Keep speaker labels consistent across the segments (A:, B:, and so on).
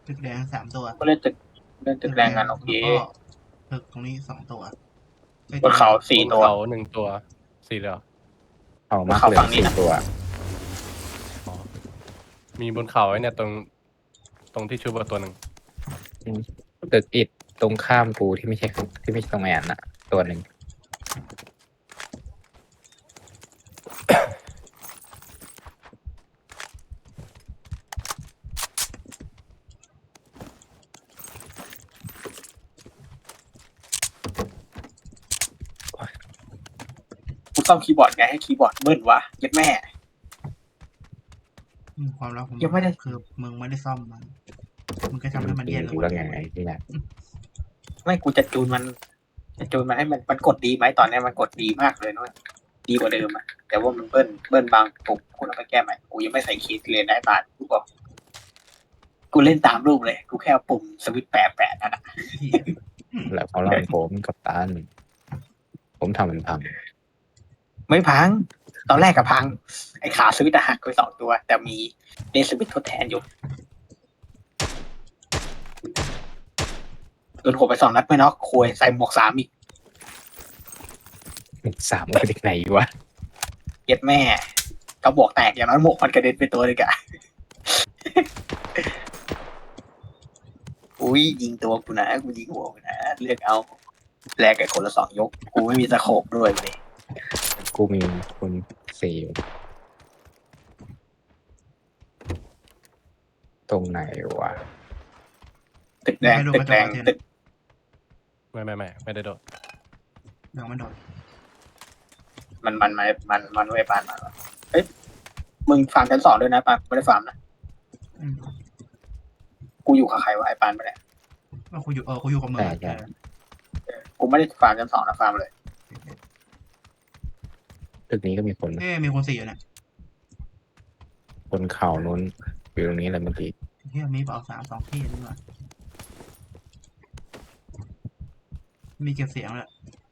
A: ตึกแดง3 ตัว
B: ก็เล่นตึกแดงกันโอเค
A: แล้วก็ตึกตรงนี้2 ตัว
B: บนเขา
C: บน
B: 4 ตัว
C: เขา1 ตัว4เลยเหรอ
D: เอามาก
B: เขา
D: เหลื
B: ฝั่
D: อง
B: นี้
D: สี่
B: นะ
D: ตัว
C: อ๋อมีบนเขาไอ้เนี่ยตรงที่ชุบตัวหนึ่ง
D: ตึกอิดตรงข้ามกูที่ไม่ใช่ตรงแอนน่ะ ตัวหนึ่ง
B: กูซ่อมคีย์บอร์ดไงให้คีย์บอร์ดเบิ้ลวะเย็ดแม่
A: ความลับผม
B: ยังไม่ได้
A: คือมึงไม่ได้ซ่อมมันมึงก็ทำให้มันแย่ลง
D: กูแล้วไงที่ไหน
B: ไม่กูจะจูนมันให้มันกดดีไหมตอนนี้มันกดดีมากเลยนะดีกว่าเดิมอะแต่ว่ามันเบิ้ลบางปุ่มกูต้องไปแก้ใหม่กูยังไม่ใส่คีย์เลยได้บาทกูบอกกูเล่นตามรูปเลยกูแค่เอาปุ่มสวิตช์แปะนั่นแหะ
D: แล้วเขาเล่าผมกับตันผมทำมันพัง
B: ไม่พัง ตอนแรกกับพัง ไอ้ขาสวิตช์หักไป2 ตัว แต่มีเดนสวิตช์ทดแทนอยู่โดนหัวไป2 นัดไม่น็อกโคยใส่หมวก3อีก
D: 3มาจากไหนวะ
B: เย็ดแม่กระบอกแตกอย่างนั้นหมวกมันกระเด็นไปตัวเลยกะ อุ้ยยิงตัวกูนะกูยิงหัวกูนะเลือกเอาแลกกับคนละ2 ยกกูไม่มีตะโขบด้วยเลย
D: กูมีคนสี่อยู่ตรงไหนวะ
B: ตึกแดงตึก
C: ไม่ได้โดด
A: เดี๋ยวมันโดด
B: มันไว้ปานมาเอ้ยมึงฟาร์มชั้น 2ด้วยนะปานไม่ได้ฟาร์มนะ
A: อืม
B: กูอยู่กับใครวะไอ้ปานไปเนี่ย
A: กูอยู่กับมึง
D: ใช่
B: กูไม่ได้ฟาร์มชั้น 2นะฟาร์มเลย
D: ตึกนี้ก็มีคน
A: มีคน4อยู่เนี่ย
D: คนเข่านู้นอยู่ตรงนี้แหละเมื่อกี้
A: เฮียมีเปล่า2 ที่นี่หว่ามีเก็บเสียงแหละ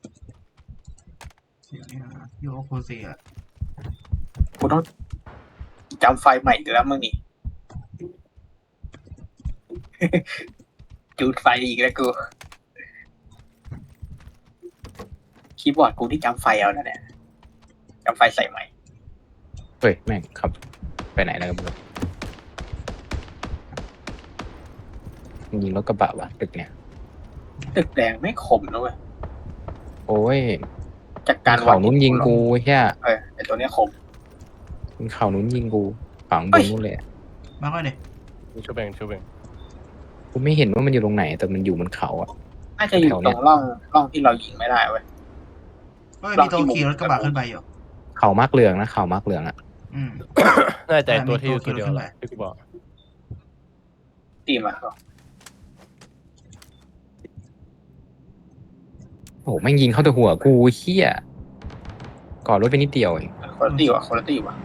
A: เสียงนี่นะอยู่กับคน4อ่ะ
B: กูต้องจำไฟใหม่อีกแล้วมึงนี่ จูดไฟอีกแล้วกูคีย์บอร์ดกูที่จำไฟเอาแล้วเนี่ยจำไฟใส่ใหม่
D: เฮ้ยแม่งขับไปไหนแล้วกันไม่รู้ยิงรถกระบะวะตึกเนี่ย
B: ตึกแดงไม่ขมนะเว้ย
D: โอ้ย
B: จากการ
D: เขานู้นยิงกูแค่
B: ไอตัวเนี้ยขม
D: เขานู้นยิงกูฝังบนนู้นเลย
A: มาค่อยดิ
C: ชุบเอง
D: กูไม่เห็นว่ามันอยู่ตรงไหน แต่มันอยู่บนเขาอ่ะ
B: น่าจะอยู่ตรงร่องที่เรายิงไม่ได้เว้ย
A: มีตัวขี่รถกระบะขึ้นไปอยู่
D: เขามากเหลืองนะเขามากเหลืองอ่ะ
A: อืม
C: น่าจะตัวที่อยู่ตัวเดียวแหละที่กูบอก
B: ตีมา
D: โอ้โหแม่งยิงเข้าแต่หัวกูเฮี้ยก่อรถไปนิดเดียวเอง
B: คนละตีวะ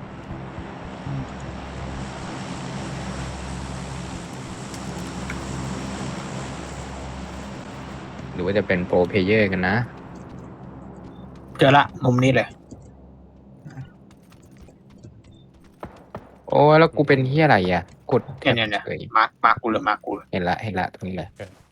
D: หรือว่าจะเป็นโปรเพลเยอร์กันนะ
B: เจอละมุมนี้เลย
D: โอ้ยแล้วกูเป็นเฮี้ยอะไรอ่ะกด
B: เนี่ย
D: เฉย
B: มาร์กกูเลย
D: เห็นละตรงนี้เลย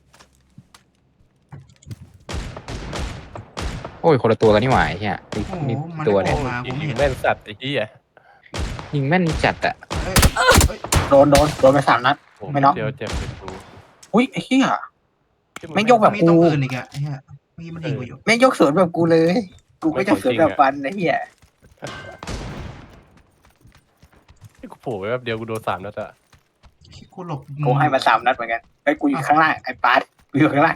D: โอ้ยคนละตัวกันนี่หว่าไอ้เฮี้ย
A: โอ้โห
D: นี่
A: มัน
D: ตัว
A: อ
D: เนี่ย
A: อกมากูไม่
C: ยิ
A: เห็
C: ง
A: น
C: แม่นสัตว์ไอ้ที่
D: ยิงแม่นจัดอ่ะ
B: โดนไป3 นัด ไม่น็อก
C: เดียวเจ็บเลยกู
B: อุ้ยไอ้เหี้ย
C: ที่ง
B: ไม่ยกแบบ
A: มีตัวอื่นอีกอ่ะไอ้เหี้ยเมื่อกี้มันยิงกูอยู่
B: ไม่ยกสวนแบบกูเลย กูก็จะสวนแบบฟันไอ้เหี้ย
C: ที่กูโผล่ไปแป๊บเดียวกูโดน3 นัดอะ
A: กูหลบ
B: กูให้มา3 นัดเหมือนกันไอ้กูอยู่ข้างล่างไอ้ปาร์ตกูอยู่ข้างล่าง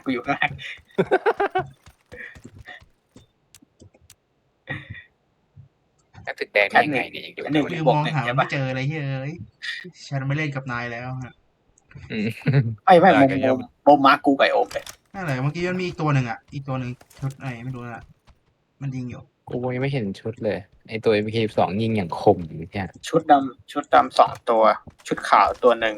D: ตึกแดงได้ยังไงเนี่ยยังอยู่
B: หนึ่ง
A: กูมองหาไม่เจออะไรเฮ้ยฉันไม่เล่นกับนายแล้วฮะ
D: อืม
B: ไม่มุมมาร์กกูกับไอ้โอมเลย
A: นั่นแหละเมื่อกี้มันมีอีกตัวหนึ่งอ่ะอีกตัวหนึ่งชุดไหนไม่รู้นะมันยิงอยู่
D: กูยังไม่เห็นชุดเลยไอตัว MK12 ยิงอย่างคมเนี่ย
B: ชุดดำ2 ตัว ชุดขาวตัวหนึ่ง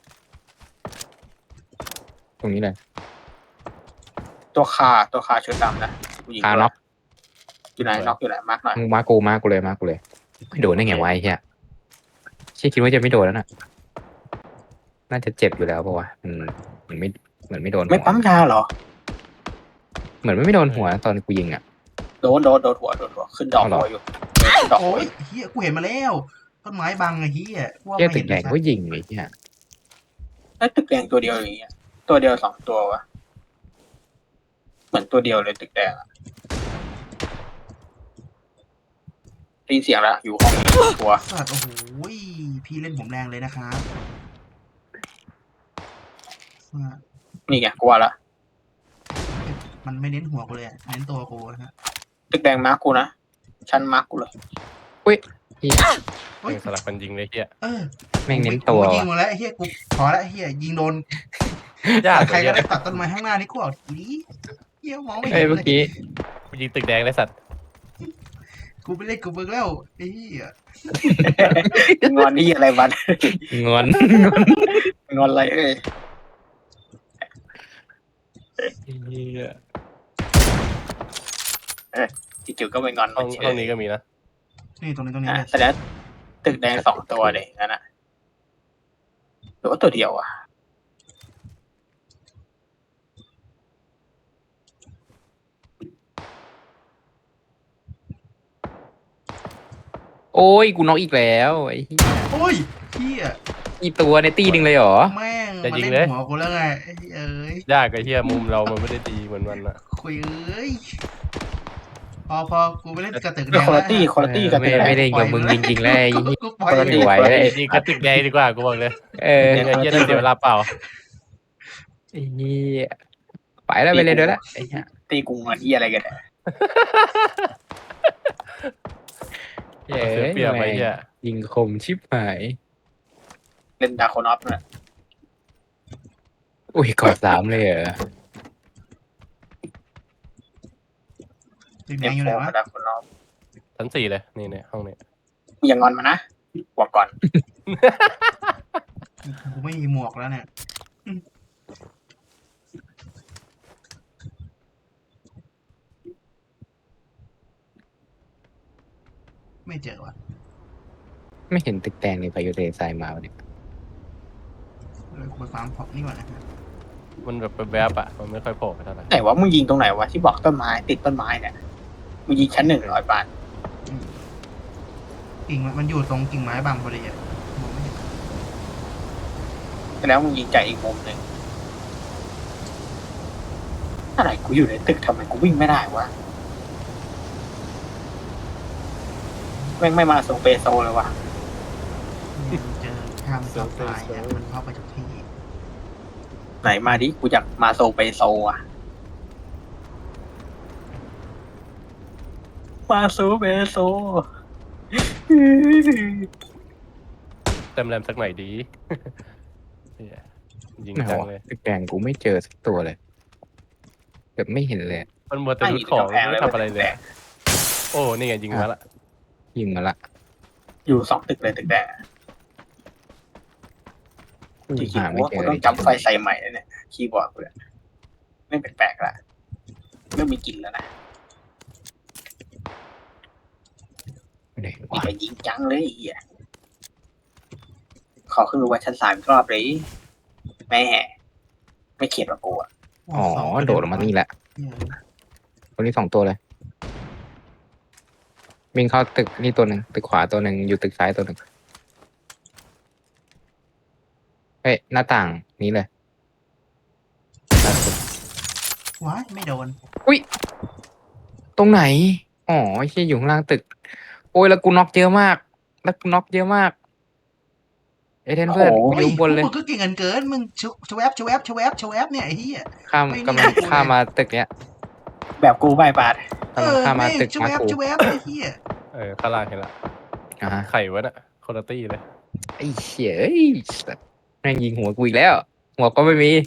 D: ตรงนี้เลย
B: ตัวคาชุดดำนะกูยิง
D: คาน็อก
B: อยู่ไหนน็อกอยู่ไหนมาร์กหน่อย
D: มากูเลยไม่โดนได้ไงวะไอ้เหี้ยคิดว่าจะไม่โดนแล้วน่ะน่าจะเจ็บอยู่แล้วปะวะเหมือนไม่เหมือนไม่โดน
B: ไม่
D: หัว
B: ปั๊มยาเหรอ
D: เหมือนไม่โดนหัวตอนกูยิงอ่ะ
B: โดนหัวขึ้นดอก
D: เอาเหรอ
B: หัวอยู่ขึ้นดอกหั
A: โอ้
B: วย อยู่
A: เฮียกูเห็นมาแล้วต้นไม้บังไอ้เฮียกูว่า
D: เที่ย
A: ไม่
D: ตึ
A: เห็
D: ก
A: น
D: แดง
A: สัต
D: ก็
A: ว์
D: ยิงไอ้เนี่ย
B: แล้วตึกแดงตัวเดียวอย่างเงี้ยตัวเดียวสองตัววะเหมือนตัวเดียวเลยตึกแดงอะได้ยินเสียงแล้วอยู่ห้องนี้ตัว
A: สัตว์โอ้โหพี่เล่นผมแรงเลยนะครับสัตว์
B: นี่ไงกลัวละ
A: มันไม่เน้นหัวกูเลยอะเน้นตัวกูนะฮะ
B: ตึกแดงมาร์กกูนะชั้นมาร์กกูเลย
D: เหี้ย
A: เฮ้ย
C: สลับกันยิงเลยเฮีย
A: เออ
D: แม่งเน้นตัว
A: กูยิง
D: ว่ะ
A: มาแล้วไอ้เฮียกูพอแล้วไอ้เฮียยิงโดน
C: ยาก
A: ใคร
C: เฮี
A: ก็
C: ย
A: ได้ตัดต้นไม้ข้างหน้านี่กูเอาดีเฮียมองไม่
D: เอ้
A: เห็
D: ย
A: น
D: เมื่อ
A: เลย
D: กี้
C: กูยิงตึกแดงเลยสัตว์
A: กูไปเล่นกูเบิกแล้วไอ้เฮีย
B: งอนนี่อะไรวัน
D: งอน
B: งอนอะไรเอ้ย
C: เฮีย
B: จู่ๆก็ไปงอน
C: ห้อง
B: เฉ
C: ห้อย งนี้ก็มีนะ
A: นี่ตรงนี้ตรงนี้
B: อ่ะ
A: เลย
B: แสดงตึกแดงสองตัวเลยงั้นอ่ะหรือว่าตัวเดียวอ่ะ
D: โอ้ยกูน็อกอีกแล้วไอ้เหี้ย
A: โอ้ยเฮีย
D: อีตัวในตีหนึ่งเลยเหรอ
A: แม่งมันเล่นหัวกูแล้วไงไอ้เอ้ย
C: ยากไอ้เฮียมุมเรามันไม่ได้ดีเหมือนมันอะ
A: คุยเอ้ยพอกูไปเล่นกระตึกแด
B: เรื่อง
A: ง
B: คุณ
A: แล้ว
B: ตี้คุณตี้กับตึกแดง
D: ไม่ได้กับมึงจริงๆแล้วไอ้เหี้ย
A: กูปล่อย
D: คนละอยู่ไหว
C: ยิงกระตึกแดงดีกว่ากูบอกเลย
D: เออ
C: ไอ้เฮียต้องเสียเวลาเปล่า
D: ไอ้เหี้ยไปแล้วไปเลยเดี๋ยวละไอ้เหี้ย
B: ตีกูงอนที่อะไรกันเนี่ย
D: เย้
C: เสียเปรียบไอ้เฮีย
D: ยิงคมชิบหาย
B: เล่นดาโคนอฟเนี่ย
D: อุ้ยกอดสามเลยเหรอ
A: ตึกแด
B: เอ็
A: ง
B: ม
A: อยู่
B: โฟ
A: ไหนวะ
B: ดาโคนอฟ
C: ชั้น 4เลยนี่เนี่ยห้องนี้
B: อย่างอนมานะบอกก่อน
A: กูไม่มีหมวกแล้วเนี่ยไม่เจอว่ะ
D: ไม่เห็นตึกแดงในพายุทะเลทรายมาวันนี้
A: เลยกูไปฟาร์มพอกนี่ก่อนนะฮะ
C: มันแบบแวบๆอะมันไม่ค่อยโผล่ไปเท่าไหร่
B: ไหนวะมึงยิงตรงไหนวะที่บอกต้นไม้ติดต้นไม้เนี่ยมึงยิงชั้น100 บาท
A: กิ่งมันอยู่ตรงกิ่งไม้บางพอดีอะมองไม่เห็น
B: แล้วมึงยิงจากอีกมุมหนึ่งอะไรกูอยู่ในตึกทำไมกูวิ่งไม่ได้วะแม่งไม่มาส่งเปโซเลยวะ
A: เจอทางซับไลน์เนี่ยมันเข้าไปจากที่
B: ไหนมาดิกูอยากมาโซเปโซอ่ะมาโซเปโซ
C: เต็มแรมสักหน่อยดีเหี้ยยิง
D: ไหน
C: จัง
D: วะ
C: เลย
D: ตึกแดงกูไม่เจอสักตัวเลยแบบไม่เห็นเลย
C: มันมัวแต่รุดของไม่ทำอะไรเลยอะโอ้นี่ไงยิงมาละ
D: ยิงมาละ
B: อยู่2 ตึกเลยตึกแดงจริง
D: หา
B: ๆกู
D: ไม่
B: ว่า
D: เจ
B: กู
D: อ
B: ต้อ
D: เล
B: ง
D: ย
B: จำไฟใส่ใหม่แล้วเนี่ยคีย์บอร์ดกูเนี่ยไม่แปลกๆละเริ่มมีกลิ่นแล้วนะ
D: ไหน
B: มี
D: วะ
B: แต่ยิงจังเลยไอ้เหี้ยขอขึ้นไปชั้น3อีกรอบเลยแม่ไม่เขียนว่ากูอ่ะ
D: อ๋อโดดออกมานี่แหละตัวนี้2 ตัวเลยวิ่งเข้าตึกนี่ตัวหนึ่งตึกขวาตัวหนึ่งอยู่ตึกซ้ายตัวหนึ่งเฮ้ยหน้าต่างนี้เลย
A: ว้ายไม่โดน
D: ตรงไหนอ๋อไอ้เชี่ยอยู่ข้างล่างตึก โอ้ยแล้วกูน็อกเยอะมากแล้วกูน็อกเยอะมากเอเทนเพื่อนกูอยู่ข้างบนเลย
A: มึงก็เก่งเกินมึงชวบเนี่ยไอ้เหี้ย
D: ข้าม
A: ไม่
D: กำลัง
A: ไม่
D: ข้ามมาตึกเนี้ย
B: แบบกูไม่บาด
D: กำลังข้ามมาตึก
A: ช
D: มากู
A: วบไอ้เหี้ย
C: ข้างล่างเห็นละ
D: อ่าฮะ
C: ไข่วะน่ะคนละตี้เลย
D: ไอ้เชี่ยเอ้ยสัตว์แม่งยิงหัวกูอีกแล้ว หัวก็ไม่มี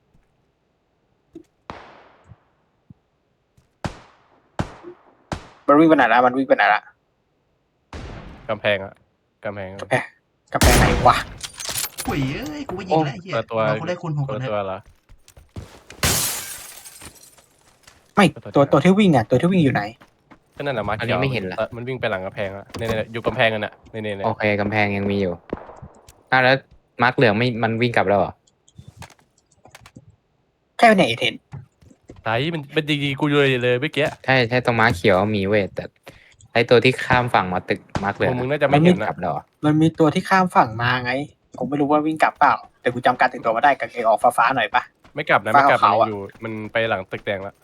B: มันวิ่งไปไหนละมันวิ่งไปไหนละ
C: กำแพงอะกำแพง
B: กระแพงไหนวะ
A: คุยเอ้ยกูไปยิงแล้วไอ้เหี้ย
C: ตัว
A: เรากูได้คุณหก
C: คน
A: คน
C: ละ
A: นะ
C: ตัวเหรอ
B: ไม่ตัวที่วิ่งอ่ะตัวที่วิ่งอยู่ไหน
C: ก็นั่นแหละมา
D: อัน
C: เขี
D: นี้
C: ยว
D: ไม่เห็นละ
C: มันวิ่งไปหลังกำแพงอะเนี่ยๆอยู่กำแพงกันอะเนี่ย
D: โอเคกำแพงยังมีอยู่แล้วมาร์กเหลืองไม่มันวิ่งกลับแล้วเหรอ
B: แค่ไหนเทน
C: ไหนมันดีๆกูเลยเมื่อกี้
D: ใช่ตรงมาร์กเขียวมีเว้ยแต่ไอตัวที่ข้ามฝั่งมาตึกมาร์กเหลื
C: พ
D: อ
C: ว
D: ง
C: กมึงน่าจะไม่เห็น
D: ก
C: นะ
D: ลับแล้วเหรอ
B: มันมีตัวที่ข้ามฝั่งมาไงผมไม่รู้ว่าวิ่งกลับเปล่า แต่กูจำการแต่งตัวมาได้กางเกงออกฟ้าๆหน่อยปะ
C: ไม่กลับนะ
B: ฟ้า
C: ไม่กลับมัน
B: ขาวๆ
C: ยัง
B: อะ
C: อยู่มันไปหลังตึกแดงแล้ว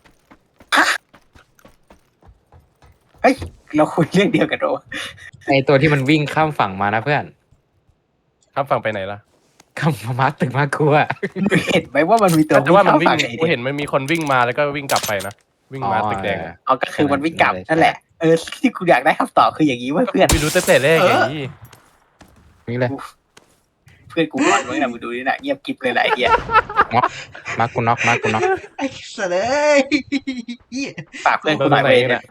B: เฮ้ยเราคุยเรื่องเดียวกันโด
D: ไอตัวที่มันวิ่งข้ามฝั่งมานะเพื่อน
C: ข้ามฝั่งไปไหนล่ะ
D: ข้ามมาร์กตึกมาร์กกูอะ
B: เห็นไหมว่ามันมีตัว
C: แต่ว่ามันวิ่ง
B: ข้ฝั่ไอ้
C: กูเห็นมันมีคนวิ่งมาแล้วก็วิ่งกลับไปนะวิ่งมาตึกแดงอะ
B: เอาก็คือมันวิ่งกลับนั่นแหละที่กูอยากได้คำตอบคืออย่างนี้ว่าเพื่อน
C: ไม่รู้ตั้งแต่แรกอย่างนี้
D: นี่เลย
B: เพื่อนกูก่อนมึงนะมึงดูนี่นะเงียบกิ๊บเลยแหละไอ้เหี้ย
D: มาร์กกูน็อกมาร์กกูน็อก
A: ไอ้สัตว์เอ้ยเหี้ย
B: ฝากเพื่อนกูหน่อย
C: ไหน
B: เว้ย
C: เนี่ย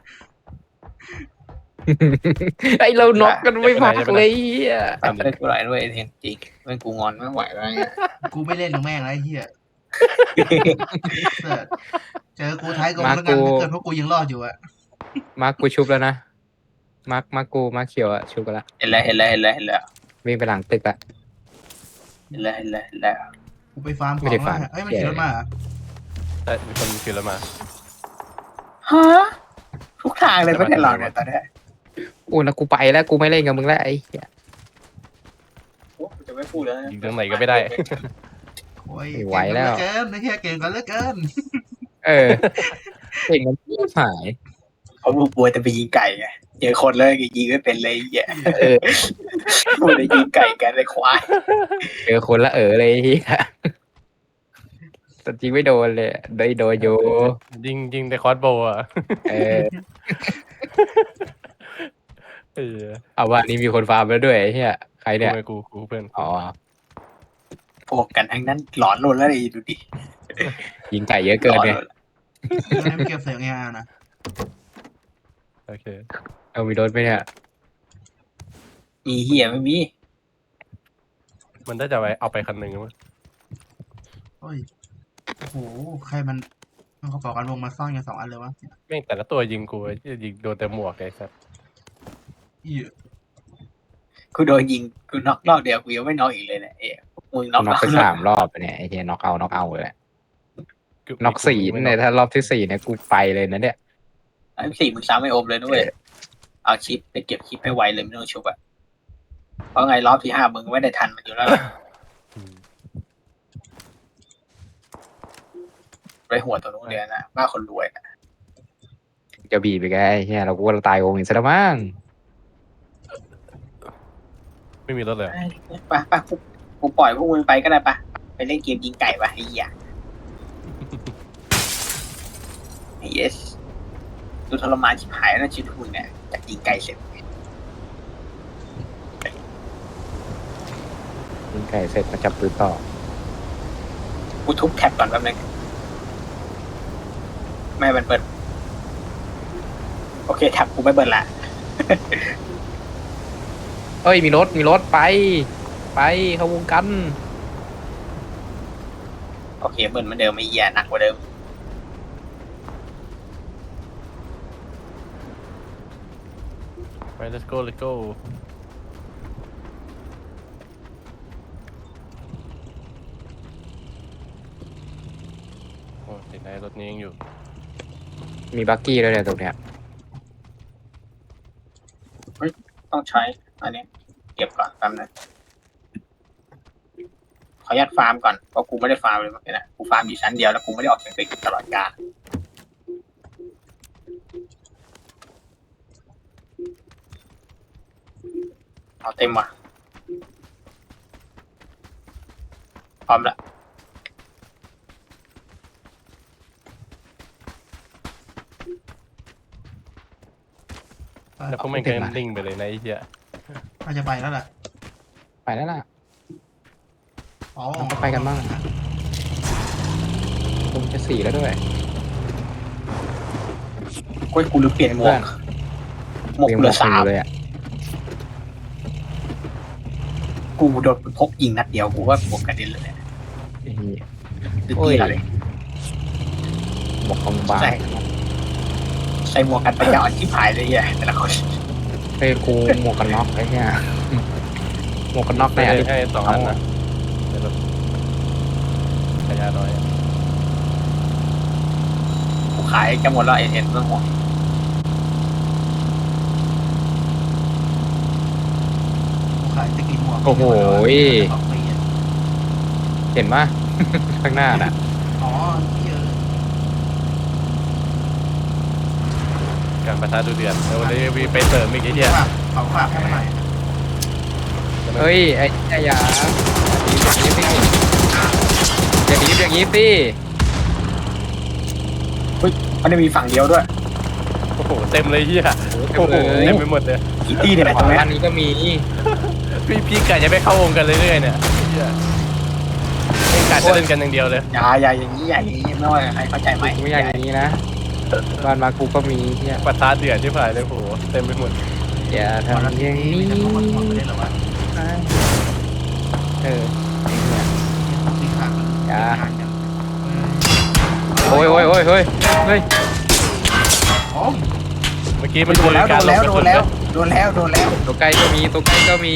D: ไอเราน็อกกันไม่พักเลยอะ
B: ฝากเพื่อนกูหน่อยด้วยเทนจริงเพื่อนกูงอนไม่ไหวแล้วเนี่ย
A: กูไม่เล่นกับแม่งแล้วไอ้เหี้ยเสิร์ชเจอกูท้ายกองแล้วกันถ้าเกิดพวกกูยังรอดอยู่อะ
D: มาร์กกูชุบแล้วนะมาร์กกูมาร์กเขียวอะชุบกันละ
B: เห็นแล้ว
D: วิ่งไปหลังตึกละ
A: กูไปฟาร์มข
D: ไม่
A: อง
D: ได้
A: แล้ว
D: ฟาร์ม
A: เอ้ยมันขี่รถมาเหรอ
C: แต่มีคนขี่รถมา
B: ฮะทุกทางเลยไม่ได้หรอกเนี่ยตอนเนี้ย
D: โอ้แล้วกูไปแล้วกูไม่เล่นกับมึงแล้วไอ้เหี้ย
B: โอ้กูจะไม่พูดแล้วนะ
C: ยิงตรงไหนก็ไม่ได้
A: โอ้ย
D: ไม่ไหวแล้ว
A: เก่งเหลือเกินไอ้เหี้ยเก่งกันเหลือเกิน
D: เออเก่งกันที่หาย
B: เขาพูดกลัวแต่ไปยิงไก่ไงเจอคนแล้วยิงไม่เป็นเลยไอ้เหี้ย
D: เออ
B: พูดได้ยิงไก่กันเลยควาย
D: เจอคนละเลยไอ้เหี้ยแต่จริงไม่โดนเลยโดนอยู่
C: ยิงแต่คอสโบว์อ่ะ
D: เออ
C: เออ
D: เอาว่านี่มีคนฟาร์มแล้วด้วยไอ้เหี้ยใคร
C: กู
D: เนี่ย
C: ไงกูเพื่อน
D: อ๋อ
B: พวกกันทั้งนั้นหลอนโลนแล้วดิดูดิ
D: ยิงไก่เยอะเกินไง
B: หลอโล
A: ให้มันเก็บเสียงเออานะ
C: โอเค
D: เอามีรถไหมเนี่ย
B: มีเหี้ยไม่มี
C: มันได้จะไว้เอาไปคันหนึ่งมั้ง
A: โอ้ยโอ้โหใครมันเขาบอกกันวงมาซ่อนกัน2 อันเลยวะ
C: แม่งแต่ละตัวยิงกูยิงโดนแต่หมวกไอ้สัส
A: เหี้ย
B: กูโดนยิงกูน็อกรอบเดียวกูยังไม่น็อกอีกเลยเนี่ยเอ้ยมึงน็อก
D: น็อกไป
B: รอบ
D: 3 รอบเนี่ยไอ้เหี้ยน็อกเอาเลยแหละน็อก4เนี่ยถ้ารอบที่4เนี่ยกูไปเลยนะเนี่ย
B: ไอ้สี่มึงซ้ำไม่อมเลยนะเว้ยเอาชิปไปเก็บชิปให้ไวเลยไม่ต้องชุบอะเพราะไงรอบที่5มึงไม่ได้ทันมันอยู่แล้วล่ะ
C: อืม
B: ไปหัวตัวนู้นเลยนะบ้าคนรวยนะ
D: จะบีบไปไงไอ้เหี้ยเรากูว่าเราตายวงอีกซะแล้วมั้ง
C: ไม่มีรถเลยเหรอ
B: ไปกูปล่อยพวกมึงไปก็ได้ปะไปเล่นเกมยิงไก่ปะไอ้เหี้ย yes ดูทรมานชิบหายแล้วนะชีวิตมึงเนี่ยจากยิงไก่เสร็จ
D: ยิงไก่เสร็จมาจับปืนต่อ
B: กูทุบแท็บก่อนแป๊บนึงไม่ให้มันเปิดโอเคแท็บกูไม่เปิดละ
D: เอ้ยมีรถไปเข้าวงกัน
B: โอเคเบิร์นเหมือนเดิมไม่แย่หนักกว่าเดิม
C: ไป let's go โอ้ติดในรถนี้ยังอยู่
D: มีบักกี้ด้วยเนี่ยตรงเนี้ย
B: ต้องใช้อันนี้เก็บก่อนแป๊บนึงขออนุญาตฟาร์มก่อนเพราะกูไม่ได้ฟาร์มเลยเมื่อกี้นะกูฟาร์มอยู่ชั้นเดียวแล้วกูไม่ได้ออกจากตึกตลอดกาลเอาเต็มว่ะพร้อมละ
C: แล้วพวกแม่งก็นิ่งไปเลยนะไอ้เหี้ย
A: มันจะไปแล้วแหละ
D: ไปแล้วล่ะ
A: อ๋อ
D: เราก็ไปกันบ้างคงจะ4แล้วด้วย
B: กูลืมเปลี่ยนหมวกหมวก
D: ยัง
B: เหลือ
D: คน
B: 3
D: อยู่เลยอ่ะ
B: กูโดนพกยิงนัดเดียวกูว่าหมวกกระเด็นเลยเนี่ย
D: ไอ้เหี้ย
B: คือ
D: โอ้
B: ตี
D: ย
B: เราเลย
D: หมวกคอมบา
B: ใส่หมวกกันปัญญาอ่อนที่ผายเลยเนี่ยแต่ละคน
D: เฮ้ยกูหมวกกันน็อกไอ้เหี้ยหมวกกันน็อกใน
C: ได้
D: อันนี้
C: ให้2 อันนะยาน้อย
B: กูขายจะหมดแล้วเอ็นเรื่องห่วง
A: กูขายจะกินหมวก
D: โอ้โห
A: สองปีอะ
D: เห็นปะ ข้างหน้าน่ะ
A: อ๋อเยอะ
C: การประทะดูเดือดแล้ววันนี้วีไปเสริมอีกไอ้เหี้ย
A: เขาฝากให้มันหน่อย
D: เฮ้ยไอ้อย่าอย่างนี้อย่างนี้สิ
B: มันจะมีฝั่งเดียวด้วย
C: โอ้โหเต็มเลยเหี้ย
D: เต็
C: โอ้
D: ม
C: โห
D: เลย
C: เต็มไปหมดเลย
B: กี่ตี้เนี่ย
D: ข
B: ตรง
D: วา
B: เนี้ย
D: ด้านนี้ก็มี
C: พี่กะจะไปเข้าวงกันเรื่อยๆเนี่ยเหี้ยเองกะจะเล่นกันอย่างเดียวเลย
B: อย่าอย่างนี้ไม่ว่าใครเข้าใจไหม
D: กูไม่อยากอย่างนี้นะบ้านมากูก็มีเนี่ย
C: ประทะเดือดที่ผ่านเลยโอ้โหเต็มไปหมด
D: อย่า
A: ตอน
D: ทำ
A: นั้น
D: อย่าง
A: นี่
D: นี้
A: จะต้องมาทวงกันได้เหรอวะ
D: เออไอ้เนี่ย
A: ต้องตีขาดกัน
D: อย่า
A: งานกัน
D: โอ้ยเฮ้ย
A: โอ้ย
C: เมื่อกี้มัน
B: โดนแล้ว
C: การ
B: โดนแล้ว
D: ตัวใกล้ก็มีตัวใกล้ก็มี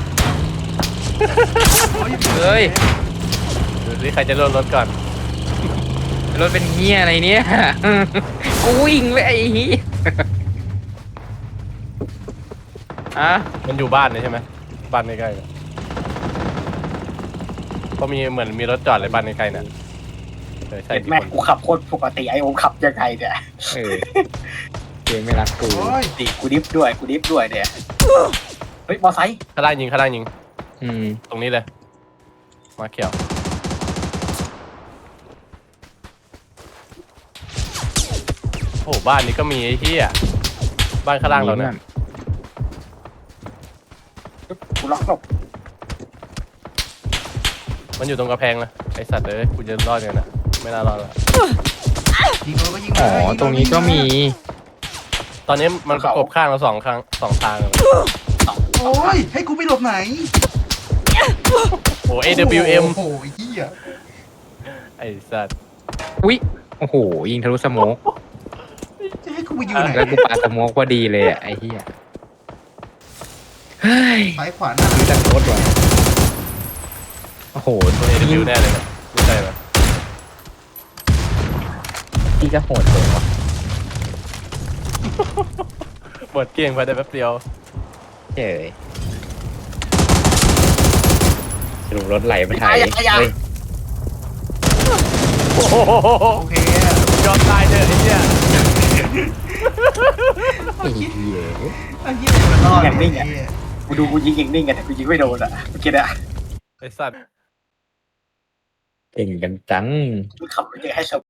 A: โอ้ย
D: เฮ้ย
C: ดูสิใครจะโดนรถก่อน
D: รถเป็นเฮียอะไรเนี่ย กูวิ่งไปไอ้เฮียอ่ะ
C: มันอยู่บ้านเลยใช่ไหมบ้านใกล้ๆเนี่ยก็มีเหมือนมีรถจอดเลยบ้านใกล้ๆเนี่ยใช่
B: เห็น
C: กี่
B: แม่
C: คน
B: กูขับโคตรปกติไอโอมขับยังไงเนี่ย
D: เออเกมไม่รักกู
A: โอ้ย
B: ดิกูดิฟด้วยเนี่ยเฮ้ยมอไซค์
C: ข้างล่างยิงข้างล่างยิง
D: อืม
C: ตรงนี้เลย มาเขียวโอ้โหบ้านนี้ก็มีไอ้เหี้ยบ้านข้างล่างเราเนี่ย
B: กูล็อกหลบ
C: มันอยู่ตรงกระแพงนะไอสัตว์เลยกูจะรอดเนี่ยนะไม่น่ารอดละ
A: ยิงโดนก็ยิง
D: อ๋อ
A: เลย
D: ตรงนี้ก็มี
C: ตอนนี้มันประกบข้างเราสองทางเลย
A: โอ้ยให้กูไปหลบไหน
C: โอ้ AWM
A: โอ้โหเหี้ย
C: ไอสัตว์
D: อุ๊ยโอ้โหยิงทะลุสโมก
A: จะให้กูไปอยู่ไหน
D: แล้วกูปาสโมกพอดีเลยอะไอ้เหี้ยเฮ้ย
A: ซ้ายขวาหน้า
D: ซื้อจากรถว่ะโอ้โห
C: ตัว AW แน่เลยนะไม่ใช่ไหม
D: ที่ก็โหดเลยว่ะ
C: หมดเกลี้ยงไปได้แป๊บเดียว
D: เจ๋ยสรุปรถไหลไปไหนเฮ้ย
C: โอ้โห
A: โอเค
C: ยอมตายเถอะไอ้เหี้ย
D: ไอ้เหี้ย
A: ไอ้เหี้ยมันรอดไอ้เหี้ย
B: กูดูกูยิงเองนิ่งกันแต่กูยิงไม่โดนอ่ะเมื่อกี้เนี่ย
C: ไอสัตว์
D: เก่งกันจัง
B: กูขับไปเจอให้ช